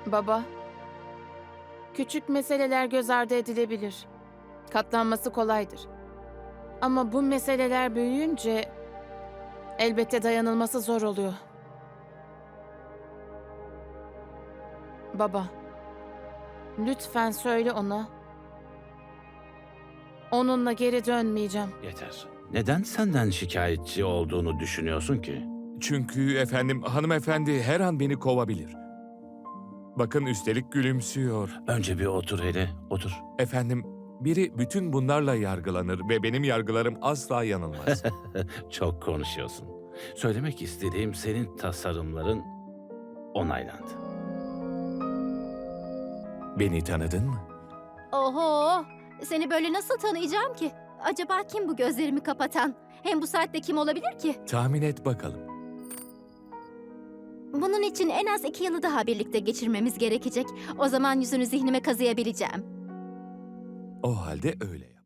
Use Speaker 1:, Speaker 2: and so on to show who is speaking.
Speaker 1: Baba, küçük meseleler göz ardı edilebilir. Katlanması kolaydır. Ama bu meseleler büyüyünce elbette dayanılması zor oluyor. Baba, lütfen söyle ona. Onunla geri dönmeyeceğim.
Speaker 2: Yeter. Neden senden şikayetçi olduğunu düşünüyorsun ki?
Speaker 3: Çünkü efendim hanımefendi her an beni kovabilir. Bakın üstelik gülümsüyor.
Speaker 2: Önce bir otur hele, otur.
Speaker 3: Efendim biri bütün bunlarla yargılanır ve benim yargılarım asla yanılmaz.
Speaker 2: Çok konuşuyorsun. Söylemek istediğim senin tasarımların onaylandı.
Speaker 3: Beni tanıdın mı?
Speaker 4: Oho! Seni böyle nasıl tanıyacağım ki? Acaba kim bu gözlerimi kapatan? Hem bu saatte kim olabilir ki?
Speaker 3: Tahmin et bakalım.
Speaker 4: Bunun için en az 2 yılı daha birlikte geçirmemiz gerekecek. O zaman yüzünü zihnime kazıyabileceğim.
Speaker 3: O halde öyle yap.